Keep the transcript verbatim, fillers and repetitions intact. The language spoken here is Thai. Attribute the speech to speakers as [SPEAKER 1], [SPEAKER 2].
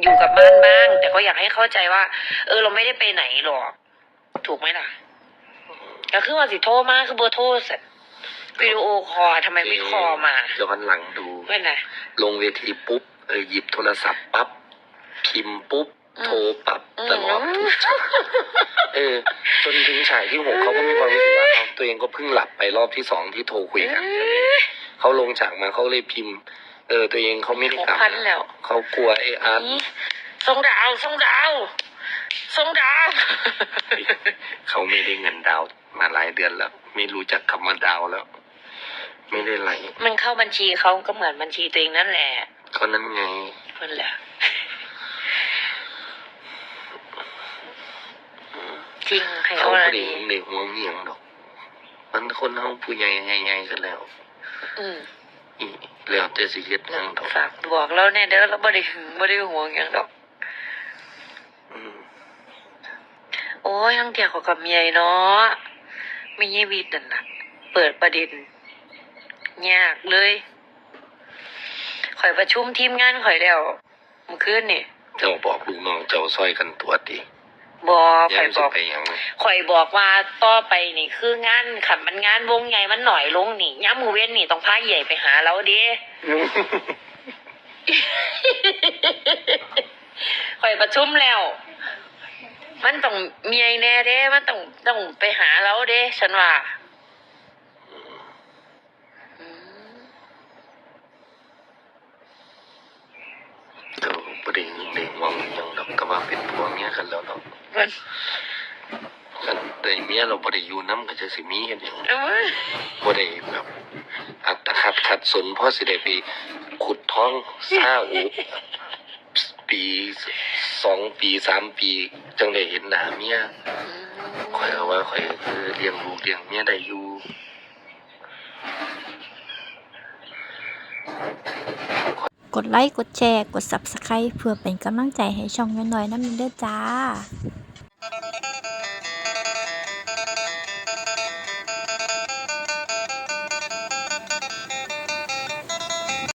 [SPEAKER 1] อยู่กับบ้านบ้าง แต่ก็อยากให้เข้าใจว่า เออเราไม่ได้ไปไหนหรอกถูกไหมล่ะก็คือว่าสิโทรมาคือเบอร์โทรเสร็จวิดีโอคอลทำไมไม่คอลมา
[SPEAKER 2] ย้อนหลังดู
[SPEAKER 1] เพื่อนไง
[SPEAKER 2] ลงเวทีปุ๊บเออหยิบโทรศัพท์ปั๊บพิมพ์ปุ๊บโทรปั๊บตลอดทุกฉากเออจนถึงฉากที่หกเขาก็มีความรู้สึกว่าเขาตัวเองก็เพิ่งหลับไปรอบที่สองที่โทรคุยกันใช่ไหมเขาลงฉากมาเขาเลยพิมพ์เออตัวเองเขาไม่ได้กลับเขากลัวไอ้อาร์ต
[SPEAKER 1] ส่งดาวส่งดาวส่งดาว
[SPEAKER 2] เขาไม่ได้เงินดาวมาหลายเดือนแล้วไม่รู้จักคำว่าดาวแล้วไม่ได้ไหล
[SPEAKER 1] มันเข้าบัญชีเขาก็เหมือนบัญชีตัวเองนั่นแหละ
[SPEAKER 2] ก็นั่นไง
[SPEAKER 1] เพื่อนแหละจริงให้
[SPEAKER 2] เขา
[SPEAKER 1] อะไร
[SPEAKER 2] เด็กเด็กหัวเงียงดอกมันคนเขาผู้ใหญ่ใหญ่ๆกันแล้ว
[SPEAKER 1] อืม
[SPEAKER 2] อีแล้วแต่สิเฮ็ดหยังดอก
[SPEAKER 1] ฝากบอกเราแน่เด้อเราบ่ได้หึงบ่ได้ห่วงหยังดอก
[SPEAKER 2] อืม
[SPEAKER 1] โอ้ยทั้งเที่ยวเขากับเมียเนาะไม่ยีวิตนั่นน่ะเปิดประเด็นยากเลยข่อยประชุมทีมงานข่อยแล้วเมื่อคืนนี่
[SPEAKER 2] เจ้าบอกลูกน้องเจ้าซอยกันตัวดิ
[SPEAKER 1] บอกข่อยบอกข่อยบอกว่าต่อไปนี่คืองานขันมันงานวงใหญ่มันหน่อยลงนี่ย้ำมือเว้นนี่ต้องพาใหญ่ไปหาเราเด้ข่อยประชุมแล้วมันต้องเมียแน่เด้มันต้องต้องไปหาเราเด้ฉันว่า
[SPEAKER 2] เจ้าประเด็นเด็กวังยังดอกก็ว่าเป็นพวกเนี้ยกันแล้วเนาะกันแต่เมียเราบ่ได้อยู่นำก็จะสิมีเฮ็ดหยังบ่ได้แบบอัตคัดขัดสนเพราะสิได้ไปขุดท้องซาอูปีสองปีสามปีจังได้เห็นหน้าเมียข่อยก็ว่าข่อยคือเลี้ยงลูกเลี้ยงเมียได้อยู่
[SPEAKER 3] กดไลค์กดแชร์กด ซับสไครบ์ เพื่อเป็นกำลังใจให้ช่องน้อยๆนำเด้อจ้า